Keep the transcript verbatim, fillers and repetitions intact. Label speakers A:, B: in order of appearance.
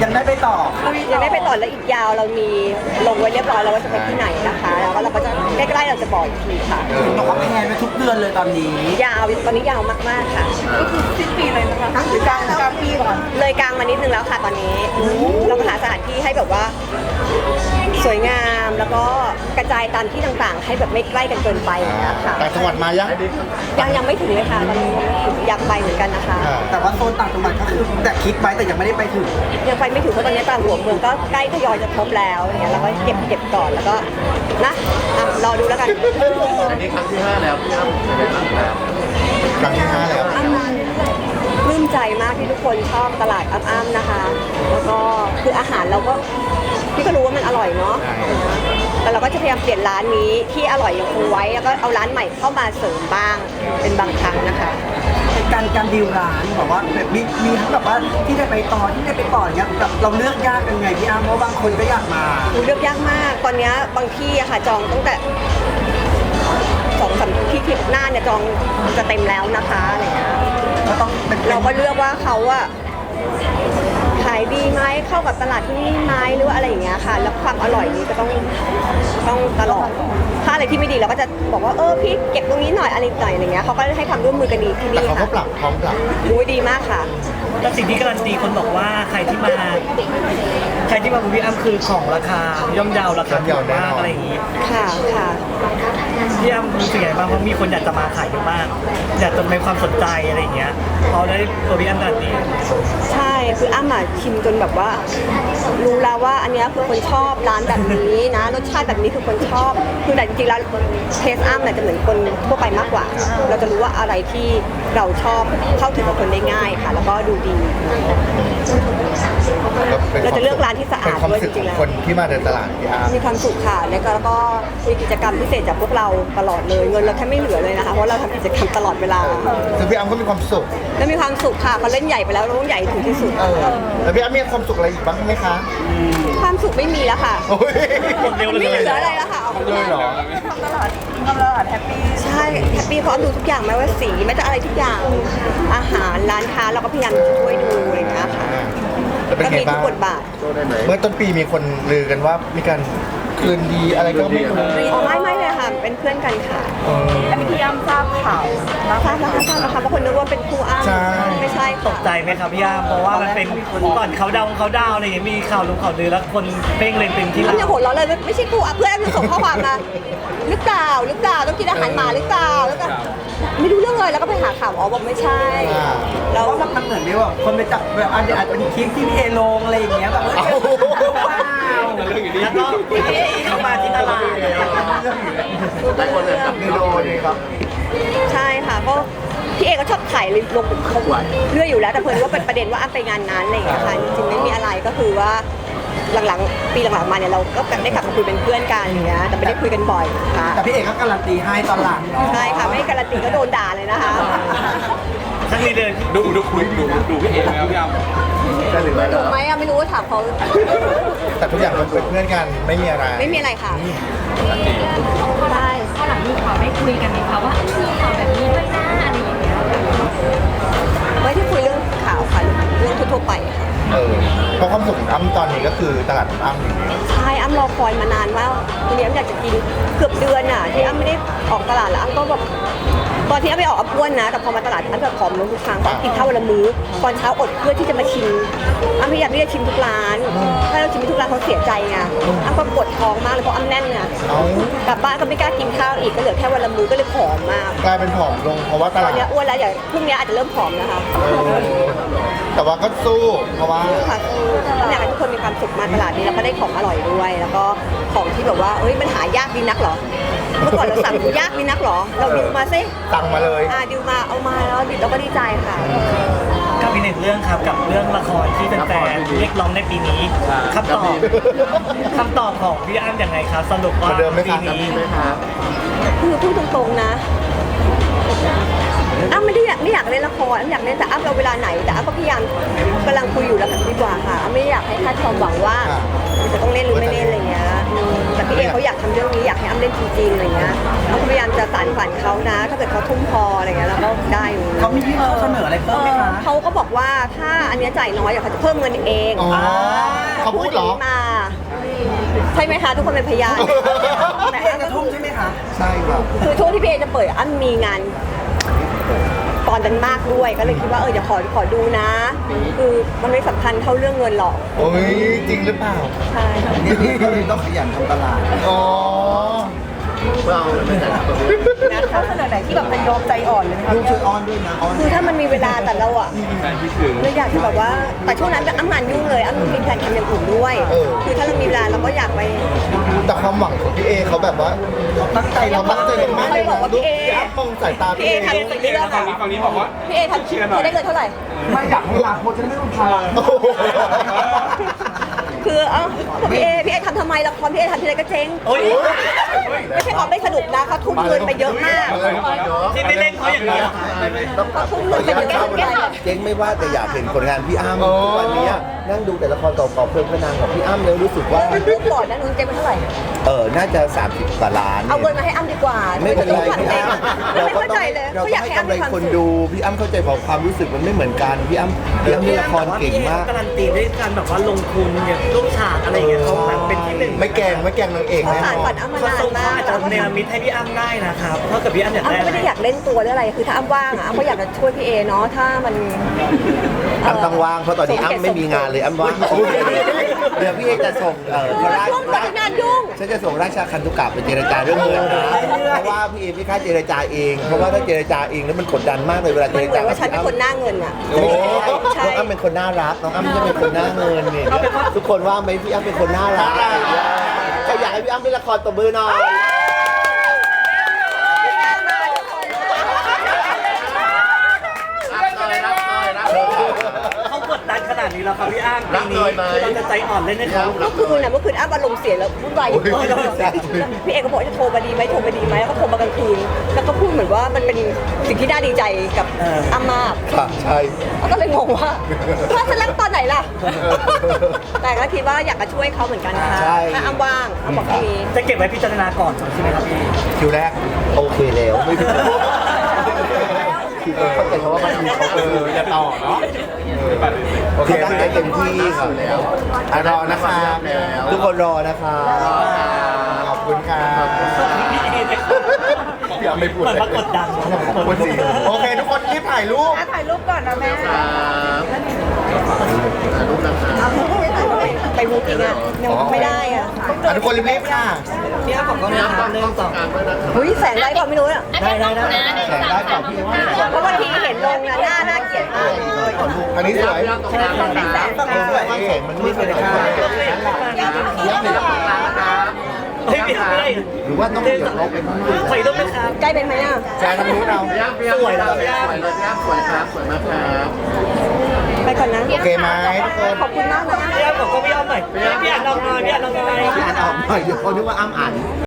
A: ยังได้ไปต่อ
B: ยังได้ไปต่อแล้วอีกยาวเรามีลงไว้เรียบร้อยแล้วว่าจะไปที่ไหนนะคะแล้วก็เราก็จะใกล้ๆเราจะบอกอีกทีค่ะ
A: เห็นบอกว่าแพลนไปทุกเดือนเลยตอนนี้
B: ยาวตอนนี้ยาวมากๆค่ะก็คือสิ้นปีเลยนะคะหรือกลางกลางปีก่อนเลยกลางมานิดนึงแล้วค่ะตอนนี้เราก็หาสถานที่ให้แบบว่าสวยงามแล้วก็กระจายตามที่ต่างๆให้แบบไม่ใกล้กันเกินไปนะคะ
C: ต่างจังหวัดมายัง
B: ยังยังไม่ถึงเลยค่ะตอนนี้อยากไปเหมือนกันนะคะ
A: แต่ว่าโซนต่างจังหวัดก็คือแต่คิดไว้แต่ยังไม่ได้ไปถึง
B: ยังไปไม่ถึงเพราะตอนนี้ตามหัวเมืองก็ใกล้ทยอยจะครบแล้วอย่างเงี้ยเราก็เก็บเก็บก่อนแล้วก็นะอ่ะรอดูแล้วกัน
C: อันนี้ครั้งที่ห้าแล้วพี่อ้ำเป็นไงบ้างครับครั้งที่ห้าแล้ว
B: ปลื้มใจมากที่ทุกคนชอบตลาดอ้ำๆนะคะแล้วก็คืออาหารเราก็พี่ก็รู้ว่ามันอร่อยเนาะแต่เราก็จะพยายามเปลี่ยนร้านนี้ที่อร่อยยังคงไว้แล้วก็เอาร้านใหม่เข้ามาเสริมบ้างเป็นบางครั้งนะคะ
A: การการดีลร้านแบบว่าแบบมีมีทั้งแบบว่าที่ได้ไปต่อที่ได้ไปต่ออย่างเงี้ยแบบเราเลือกยากยังไงพี่อ้ำเพราะบางคนก็อยากมา
B: เลือกยากมากตอนนี้บางที่อะค่ะจองตั้งแต่สองสามที่ที่หน้าเนี่ยจองจะเต็มแล้วนะคะอะไรเงี้ย
A: ก็ต้อง
B: เราก็เลือกว่าเขาอะขายดีไหมเข้ากับตลาดที่นี่ไหมหรือว่าอะไรอย่างเงี้ยค่ะแล้วความอร่อยนี้ก็ต้องต้องตลอดถ้าอะไรที่ไม่ดีเราก็จะบอกว่าเออพี่เก็บตรงนี้หน่อยอะไรหน่อยอะไรเงี้ยเขาก็ให้ความร่วมมือกันดีที่นี่
C: ค่ะแต่เขาก็ปรับพร้อมปรับ
B: ดูดีมากค่ะ
D: แต่สิ่งที่การันตีคนบอกว่าใครที่มาใครที่มาบุรีอ้ำคือของราคาย่อมเยาวราคาถูกมากอะไรอย่างงี้
B: ค่ะค่ะ
D: พี่อ้ำรู้สึกไงบ้างเพราะมีคนอยากจะมาขายเยอะมากอยากจะมีความสนใจอะไรอย่างเงี้ยพอได้ตัวพี่อ้ำการันตี
B: ใช่คืออ้ำอ่ะชิมจนแบบว่ารู้แล้วว่าอันนี้คือคนชอบร้านแบบนี้นะรสชาติแบบนี้คือคนชอบคือแต่จริงๆแล้วเทสอ้ำเนี่ยจะเหมือนคนทั่วไปมากกว่าเราจะรู้ว่าอะไรที่เราชอบเข้าถึงกับคนได้ง่ายค่ะแล้วก็ดูดีเราจะเลือกร้านที่สะอาดด้วยจริงๆแล้ว
C: คนที่มาเดินตลาดพี่อ้ำ
B: มีความสุขค่ะแล้วก็มีกิจกรรมพิเศษจากพวกเราตลอดเลยเงินเราแค่ไม่เหลือเลยนะคะเพราะเราทำกิจกรรมตลอดเวลา
C: คือพี่อ้ำก็มีความสุข
B: แล้วมีความสุขค่ะเขาเล่นใหญ่ไปแล้วเราต้องใหญ่ถึงที่สุด
C: แล้วพี่อ้ำมีความสุขอะไรอีกบ้างไหมคะ
B: ความสุขไม่มีแล้วค่ะไม่เหลืออะไรแล้วค่ะ
C: เลยเหรอ
B: ตลอดตลอดแฮปปี้ใช่แฮปปี้เพราะดูทุกอย่างไม่ว่าสีไม่ว่าอะไรทุกอย่างอาหารร้านค้าเราก็พยายามช่วยดูอะไรอย่างเงี้ยค่ะก็มีทุกบทบาท
C: เมื่อต้นปีมีคนลือกันว่ามีการคืนดีอะไรก็ไม่รู้
B: อ๋อไม่ไม่เลยค่ะเป็นเพื่อนกันค่ะอันนี้พี่อ้ำทราบข่าวทราบแล้วทราบแล้วค่ะบางคนนึกว่าเป็นคู่อ้ำไม่ใช่
D: ตกใจไหมครับพี่อ้ำเพราะว่ามันเป็นก่อนเขาดาวเขาดาวอะไรอย่างเงี้ยมีข่าวลงข่าวลือแล้วคนเพ่งเลยเป็นที่
B: เราอย่าโหดเราเลยไม่ใช่คู่อ้ำเพื่อนอ้ำส่งข้อความมาหรือเปล่าหรือเปล่าต้องกินอาหารหมาหรือเปล่าแล้วก็ไม่รู้เรื่องเลยแล้วก็ไปหาข่าวอ๋อบอกไม่ใช่
A: เราว่ามันเหมือนที่ว่าคนไปจับแบบอาจจะเป็นคลิปที่พี่เอลงอะไรอย่างเงี้ยแบบว้าว
D: แล้วก็เข้ามาที่ตลาด
C: ได้คนเลยจับนิโดนี่ครับ
B: ใช่ค่ะก็พี่เอก็ชอบถ่ายลงเขาเรื่อยอยู่แล้วแต่เพิ่นว่าเป็นประเด็นว่าอ้ำไปงานนั้นอะไรอย่างเงี้ยค่ะจริงๆไม่มีอะไรก็คือว่าหลังๆปีหลังๆมาเนี่ยเราก็ได้กลับมาคุยเป็นเพื่อนกันอย่างเงี้ยแต่ไม่ได้คุยกันบ่อยค่ะ
A: แต่พี่เอกก็การันตีให้ตอนหลัง
B: ใช่ค่ะไม่การันตีก็โดนด่าเลยนะคะ
D: ทั้งนี้เลย
E: ดูดูคุยดูดูพี่เอกแล้วพี่อ้ำ
B: ถูกไหมอ่ะไม่รู้ว่าถามเขา
C: แต่ทุกอย่างมันเป็นเพื่อนกันไม่มีอะไร
B: ไม่มีอะไรค่ะ
F: ใช่ข้อหลังมีข่าวไม่คุยกันไหมคะว่ามีข่าวแบบนี้ด้วยนะอะไรอย่างเงี้ย
B: ไม่ที่คุยเรื่องข่าวค่ะเรื่องทั่วๆไปค่ะ
C: เออเพราะความสุขของอ้ำตอนนี้ก็คือตลาดอ้ำอย่างเดียว
B: ใช่อ้ำรอคอยมานานว่าทีนี้อ้ำอยากจะกินเกือบเดือนอ่ะที่อ้ำไม่ได้ออกตลาดแล้วอ้ำก็แบบตอนที่อ้ำไปออกอ้ำอ้วนนะแต่พอมาตลาดอ้ำจะผอมลงทุกครั้งต้องกินข้าววันละมื้อตอนเช้าอดเพื่อที่จะมาชิมอ้ำพยายามที่จะชิมทุกร้านถ้าเราชิมทุกร้านเขาเสียใจไงอ้ำก็ปวดท้องมากเลยเพราะอ้ำแน่นไงกลับบ้านก็ไม่กล้ากินข้าวอีกก็เหลือแค่วันละมื้อก็เลยผอมมาก
C: กลายเป็นผอมลงเพราะว่าตลาด
B: ตอนนี้อ้วนแล้วอย่างพรุ่งนี้อาจจะเริ่มผอมนะคะ
C: แต่ว่าก็สู้เพราะว่า
B: ค่ะอยากให้ทุกคนมีความสุขมาตลาดนี้แล้วก็ได้ของอร่อยด้วย แล้วก็ของที่แบบว่าเอ้ยมันหายากดีนักเหรอเมื่อก่อนเราสั่งยากดีนักเหรอเราดิวมาซิ
C: สั่งมาเลย
B: อ่าดิวมาเอามาแล้วเราก็ดีใจค่ะ
D: ก็มีหนึ่งเรื่องครับกับเรื่องละครที่แฟนๆเรียกร้องในปีนี้คำตอบคำตอบของพี่อ้ำยังไงครับสรุปว่าปีนี้
B: คือพูดตรงๆนะอ้ำไม่ได้อยากไม่อยากเล่นละครอ้ำอยากเล่นแต่อ้ำเราเวลาไหนแต่อ้ำก็พยายามกำลังคุยอยู่แล้วดีกว่าค่ะอ้ำไม่อยากให้คาดความหวังว่าจะต้องเล่นหรือไม่เล่นอะไรเงี้ยแต่พี่เอเขาอยากทำเรื่องนี้อยากให้อ้ำเล่นจริงๆอะไรเงี้ยอ้ำพยายามจะสานฝันเขานะถ้าเกิดเขาทุ่มพออะไรเงี้ยแล้วก็ได้อยู่
A: เขามียื่นข้อเสนออะไรเพิ่มไหมคะ
B: เขาก็บอกว่าถ้าอันนี้จ่ายน้อยอยากเขาจะเพิ่มเงินเองเขาพูดอย่างนี้มา ใช่ไหมคะ ทุกคนเป็นพยานแต่
A: พี่เอ
B: อ้ำ
A: ก
B: ก็
A: ระทุ่มใช่ไหมคะ
C: ใช่ครับ
B: คือช่วงที่พี่เอจะเปิดอ้ำมีงานตอนนั้นมากด้วยก็เลยคิดว่าเออเดี๋ยวขอขอดูนะ คือมันไม่สำคัญเท่าเรื่องเงินหรอก
C: โอ้ยจริงหรือเปล่า
B: ใช่
A: เนี่ยพี่ก็เลยต้องขยันทำตลาด
C: อ๋อเราไม่ได้ตัวนี้
B: นะคะขนาดไหนที่แบบเป็นยอมใจอ่อนเลย
A: ลูกช่วยอ้อนด้วยนะอ้อน
B: คือถ้ามันมีเวลาแต่เราอะ
E: แฟนคิดถึง
B: เราอยากจะแบบว่าแต่ช่วงนั้นอ้ำงานยุ่งเลยอ้ำมีแผนทำอย่างอื่นด้วย คือถ้าเรามีเวลาเราก็อยากไป
C: แต่ความหวังของพี่เอเขาแบบว่า
A: ตั้งใจ
C: เรา
A: เรา
C: ตั้งใจมากเลยนะดูพี่อ้ำมองสายตา
B: พี่
C: พี่
B: เอ
C: เอ
B: ทำสิ่งที่เลือก
E: ฝั่
B: อะ
E: งนี้ฝั่งนี้บอกว่า
B: พี่เอทำจะได้เงินเท่าไหร่
A: ไม่อยากให้ลาโพสจะได้ไม่ต้องพา
C: โอ้โห
B: คือเอ้าพี่เอพี่เอทำทำไมละครพี่เอทำทีไรก็เจ๊ง
D: โอ้ย
B: ไม่ใช่เขาไม่สนุกนะเขาทุ่มเงินไปเยอะมาก
D: ที่ไม่เล่นเพราะอย่างนี้
B: เขาทุ่มเงินไปเยอะมาก
C: เจ๊งไม่ว่าแต่อยากเห็นผลงานพี่อ้ำทุกวันนี้นั่งดูแต่ละครเก่าๆเพลินพนางของพี่อ้ำแล้วรู้สึกว่า
B: เรื่องก่อนนะนุ้นเจ๊งไปเท่าไหร่
C: เออน่าจะสามสิบกว่าล้าน
B: เอาเงินมาให้อ้ำดีกว่า
C: ไม่เป็นไรพี่
B: เจ๊ง
C: อ้ำ
B: ไม่
C: เราก็
B: เข้า
C: ต้
B: ใจ
C: อง
B: เลย
C: เรา
B: เขา
C: ต้
B: อ
C: อย
B: าก
C: ง
B: ให้
C: ให้
B: อ้ำ
C: กำไร
B: มีความ
C: คน
B: สุข
C: ดูพี่อ้ำเข้าใจของความรู้สึกมันไม่เหมือนกันพี่อ้ำพี่อ้ำนี่ละครเก่งมาก
D: การันตีด้วยการแบบว่าลงทุนอย่างลูกฉากอะไรอย่างเงี้ยเขาแบบเป็นที่หนึ่ง
C: ไม่แกล้งไม่แกล้งนางเอก
B: เขา
C: แน่
B: สาน
C: นอ
B: ฝัน
C: น
B: อ้ำมา
D: เขา
B: นาน
D: ส่ง
B: มา
D: อาก จจะเนรมิตให้พี่อ้ำได้นะครับเพราะกับพี่อ้ำอยากได้
B: อ้ำไม่ได้อยากเล่นตัวหรืออะไรคือถ้าอ้ำว่างอ่ะอ้ำก็อยากจะช่วยพี่เอเนาะถ้ามัน
C: อ้ำต้องว่างเพราะตอนนี้อ้ำไม่มีงานเลยอ้ำว่างโอเคเดี๋ยวพี่เอกจะส่งเอ่อพระราช
B: ช่วงก่อนงานยุ่ง
C: ฉันจะส่งราชาคันตุกะไปเจรจาเรื่องเงินนะเพราะว่าพี่เอไม่กล้าเจรจาเองเพราะว่าถ้าเจรจาเองแล้วมันกดดันมากเลยเวลาเจ
B: มัน
C: ร
B: เหมื
C: จา
B: อนว่าฉันเป็นคนหน้าเงินอ่ะ
C: โอ้
B: ใช่
C: น้องอ้ำเป็นคนน่ารักน้องอ้ำจะเป็นคนหน้าเงินเนี่ยทุกคนว่าไหมพี่อ้ำเป็นคนน่ารักใครอยากให้พี่อ้ำเป็นละครตบมือหน่อย
D: เขากดดันขนาดนี้แล้วครับพี่อ้ำปีนี้คือเราจะใจอ่อนเล่นให้เขา
B: เมื่อคืนน่ะเมื่อคืนอ้ำอารมณ์เสียแล้ววุ่นวายอยู่พี่เอกก็บอกจะโทรมาดีไหมโทรมาดีไหมแล้วก็โทรมากลางคืนแล้วก็พูดเหมือนว่ามันเป็นสิ่งที่น่าดีใจกับอ้ำมาก
C: ค่ะใช่
B: แล้วก็เลยงงว่าว่าฉันรักตอนไหนล่ะ แต่ก็คิดว่าอยากจะช่วยเขาเหมือนกันค่ะถ้าอ้ำว่างอ้ำบอกแค่นี้
D: จะเก็บไว้พิจารณาก่อนใช่ไหมครับพี่
C: คิวแรกโอเคแล้วไม่เป็นไรคือเข้าใจเขาว่ามันมีเขาเอออย่าต่อเนาะโอเคตั้งใจเต็มที่ค่ะแล้วรอนะคะทุกคนรอนะคะขอบคุณค่ะ
D: พี่เอเลย
C: พี่อ้ำไม่พูด
D: เหมือน
C: เลย
D: มากดดัน
C: ขอบคุณสิโอเคทุกคนรีบถ่ายรูป
B: ถ่ายรูปก่อนนะแม่
C: ถ่ายรูปนะคะ
B: ไปมูจริงอ่ะยังไม่ได้อ่ะ
C: อ่ะทุกคนรีบๆค่ะ
D: พี่อ้ำบอกก็นะครับเรื่องต่อ
B: เฮ้ยแสงได้ก่อนไม่รู้อ่ะ
D: ได้ได้ได้
C: แสงได้ก่อนพี่ว่า
B: เพราะบางทีเห็นลงนะหน้าน่าเกลียดมากเลย
C: อันนี้สวย
B: แสง
C: ฝั่งนี้สวยแสงมันไม่เป็นค่าย้ำเลยนะ
D: เฮ้ยพี่อ้ำไม่ได้
C: หรือว่าต้องเดี๋ยวเราเป็น
D: ขออีกรูปนะครับ
B: ใกล้เป็นไหมอ่ะ
C: แชร์ทางนู้นเรา
D: สวยแล้วพี่อ้ำ
B: ไปก่อนนะ
C: โอเคไหมทุกคน
B: ขอบคุณมากนะ
D: พี่อ้ำบอกก็พี่อ้ำหน่อยพี่อ้ำลองหน่อยพี่อ้ำลองหน่อย
C: อ่านออกหน่อยเดี๋ยวเขาคิดว่าอ้ำอ่าน